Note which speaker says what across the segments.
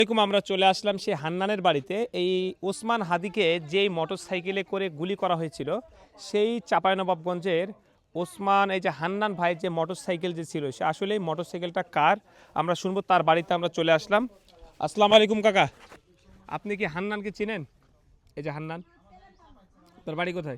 Speaker 1: আমরা চলে আসলাম সেই হান্নানের বাড়িতে। এই ওসমান হাদিকে যেই মোটরসাইকেলে করে গুলি করা হয়েছিল, সেই চাঁপাইনবাবগঞ্জের ওসমান, এই যে হান্নান ভাই যে মোটরসাইকেল যে ছিল, সে আসলে এই মোটরসাইকেলটা কার আমরা শুনবো। তার বাড়িতে আমরা চলে আসলাম। আসসালামু আলাইকুম কাকা, আপনি কি হান্নানকে চিনেন? এই যে হান্নান, তার বাড়ি কোথায়?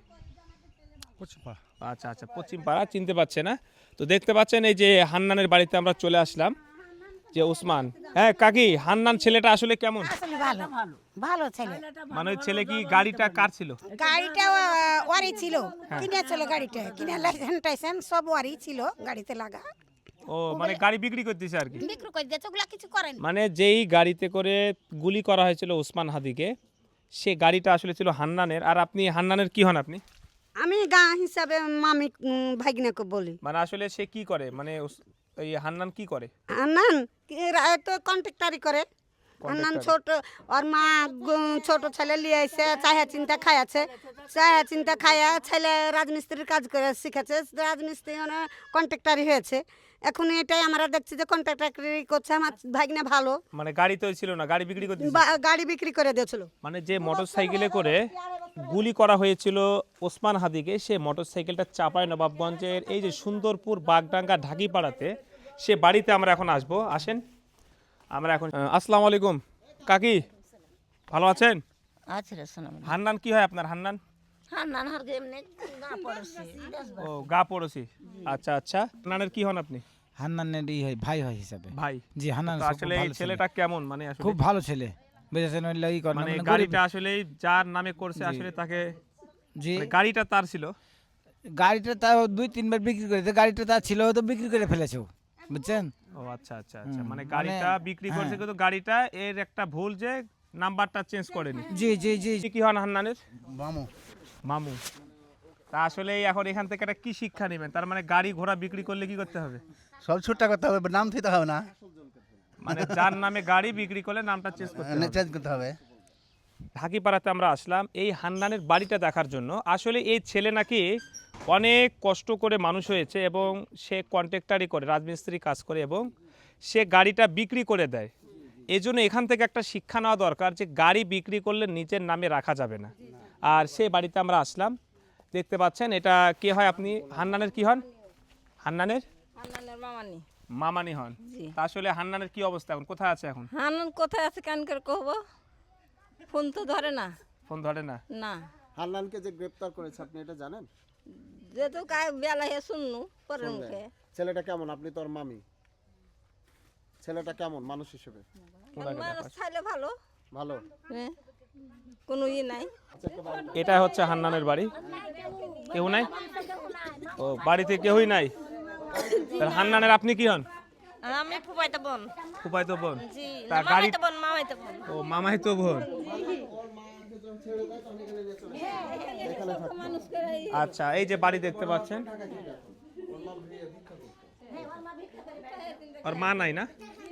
Speaker 1: আচ্ছা আচ্ছা, পশ্চিম পাড়া। চিনতে পারছে না তো, দেখতে পাচ্ছেন এই যে হান্নানের বাড়িতে আমরা চলে আসলাম। যে ওসমান, হ্যাঁ কাকি, হান্নান ছেলেটা আসলে কেমন?
Speaker 2: আসলে ভালো ভালো ছেলে।
Speaker 1: মানে ওই ছেলে কি, গাড়িটা কার ছিল?
Speaker 2: গাড়িটা ওয়ারি ছিল, কিনেছিল গাড়িটা, কিনে লাইসেন্স টাইসেন্স সব ওয়ারি ছিল গাড়িতে লাগা।
Speaker 1: ও মানে গাড়ি বিক্রি করতেছে আর কি।
Speaker 2: বিক্রি করে দিয়েছে, ওগুলা কিছু করেন।
Speaker 1: মানে যেই গাড়িতে করে গুলি করা হয়েছিল ওসমান হাদিকে, সে গাড়িটা আসলে ছিল হান্নানের। আর আপনি হান্নানের কি হন আপনি?
Speaker 2: আমি গা হিসাবে মামি ভাগিনাকে বলি।
Speaker 1: মানে আসলে সে কি করে, মানে এই হান্নান কি করে?
Speaker 2: আন্নান তো কন্ট্রাক্টারি করে। আন্নান ছোট, ওর মা ছোট ছেলে লিয়ে আইছে, চাহা চিন্তা খাইয়াছে, চাহা চিন্তা খাইয়া ছেলে রাজমিস্ত্রির কাজ করে শিখেছে, রাজমিস্ত্রি মানে কন্ট্রাক্টারি হয়েছে। এখন এটাই আমরা দেখছি যে কন্ট্রাক্টারি করছে। আমার ভাগিনা ভালো,
Speaker 1: মানে গাড়ি তো ছিল না, গাড়ি বিক্রি করতে।
Speaker 2: গাড়ি বিক্রি করে দিয়েছিল।
Speaker 1: মানে যে মোটরসাইকেলে করে গুলি করা হয়েছিল ওসমান হাদিকে, সে মোটরসাইকেলটা চাঁপাইনবাবগঞ্জের এই যে সুন্দরপুর বাগডাঙ্গা ঢাকিপাড়াতে, সে বাড়িতে আমরা এখন আসবো। আসেন আমরা এখন। আসসালামু আলাইকুম কাকি, ভালো আছেন?
Speaker 3: আচ্ছা রে শোনাম।
Speaker 1: হান্নান কি হয় আপনার? হান্নান
Speaker 3: হান্নান হার এমনি না পড়ছি।
Speaker 1: ও গা পড়োশি। আচ্ছা আচ্ছা, হান্নানের কি হন আপনি?
Speaker 4: হান্নানের হয় ভাই হয় হিসাবে।
Speaker 1: ভাই।
Speaker 4: জি, হান্নান
Speaker 1: তো আসলে এই ছেলেটা কেমন, মানে আসলে
Speaker 4: খুব ভালো ছেলে, বুঝেছেন? ওই লাগি করে
Speaker 1: মানে
Speaker 4: মানে
Speaker 1: গাড়িটা আসলে যার নামে করছে আসলে তাকে,
Speaker 4: জি,
Speaker 1: মানে গাড়িটা তার ছিল।
Speaker 4: গাড়িটা তাও 2-3 বার বিক্রি করেছে। গাড়িটা তার ছিল, তো বিক্রি করে ফেলেছে, বুঝছেন?
Speaker 1: ও আচ্ছা আচ্ছা আচ্ছা, মানে গাড়িটা বিক্রি করছে, কিন্তু গাড়িটা এর একটা ভুল যে নাম্বারটা চেঞ্জ করেনি।
Speaker 4: জি জি জি।
Speaker 1: কি হন হান্নানের?
Speaker 4: মামু।
Speaker 1: মামু। তা আসলে এখন এখান থেকে একটা কি শিক্ষা নেবেন? তার মানে গাড়ি ঘোড়া বিক্রি করলে কি করতে হবে?
Speaker 5: সব ছুটটা করতে হবে, নাম দিতে হবে না,
Speaker 1: মানে যার নামে গাড়ি বিক্রি করলে নামটা চেঞ্জ করতে হবে।
Speaker 5: চেঞ্জ করতে হবে।
Speaker 1: ঢাকিপাড়াতে আমরা আসলাম এই হান্নানের বাড়িটা দেখার জন্য। আসলে এই ছেলে নাকি অনেক কষ্ট করে মানুষ হয়েছে, এবং সে কন্ট্রাক্টারি করে, রাজমিস্ত্রি কাজ করে, এবং সে গাড়িটা বিক্রি করে দেয়। এজন্য এখান থেকে একটা শিক্ষা নেওয়া দরকার যে গাড়ি বিক্রি করলে নিজের নামে রাখা যাবে না। আর সেই বাড়িতে আমরা আসলাম, দেখতে পাচ্ছেন। এটা কে হয় আপনি? হান্নানের কি হন? হান্নানের
Speaker 3: মামানি
Speaker 1: মামানি হন। তা আসলে হান্নানের কি অবস্থা এখন, কোথায় আছে এখন?
Speaker 3: হান্নান কোথায় আছে কেন করে কহব, ফোন তো ধরে না।
Speaker 1: ফোন ধরে না?
Speaker 3: না।
Speaker 5: হান্নানকে যে গ্রেফতার করেছে আপনি এটা জানেন?
Speaker 3: যেহেতু কায় বেলা হে শুননু পরের মুখে।
Speaker 5: ছেলেটা কেমন? আপনি তো ওর মামি, ছেলেটা কেমন মানুষ হিসেবে?
Speaker 3: মানুষ চাইলে ভালো,
Speaker 5: ভালো।
Speaker 3: হ্যাঁ, কোনো নাই।
Speaker 1: এটা হচ্ছে হান্নানের বাড়ি। কেউ নাই? ও, বাড়িতে কেউই নাই। হান্নানের আপনি কি হন?
Speaker 3: আমি ফুফাইতে বোন।
Speaker 1: ফুফাইতো বোন?
Speaker 3: জি,
Speaker 1: তা গাড়ি,
Speaker 3: মামাইতে বোন, মামাইতে বোন।
Speaker 1: ও মামাইতো বোন। আচ্ছা, এই যে বাড়ি দেখতে পাচ্ছেন, ওর মা নাই না?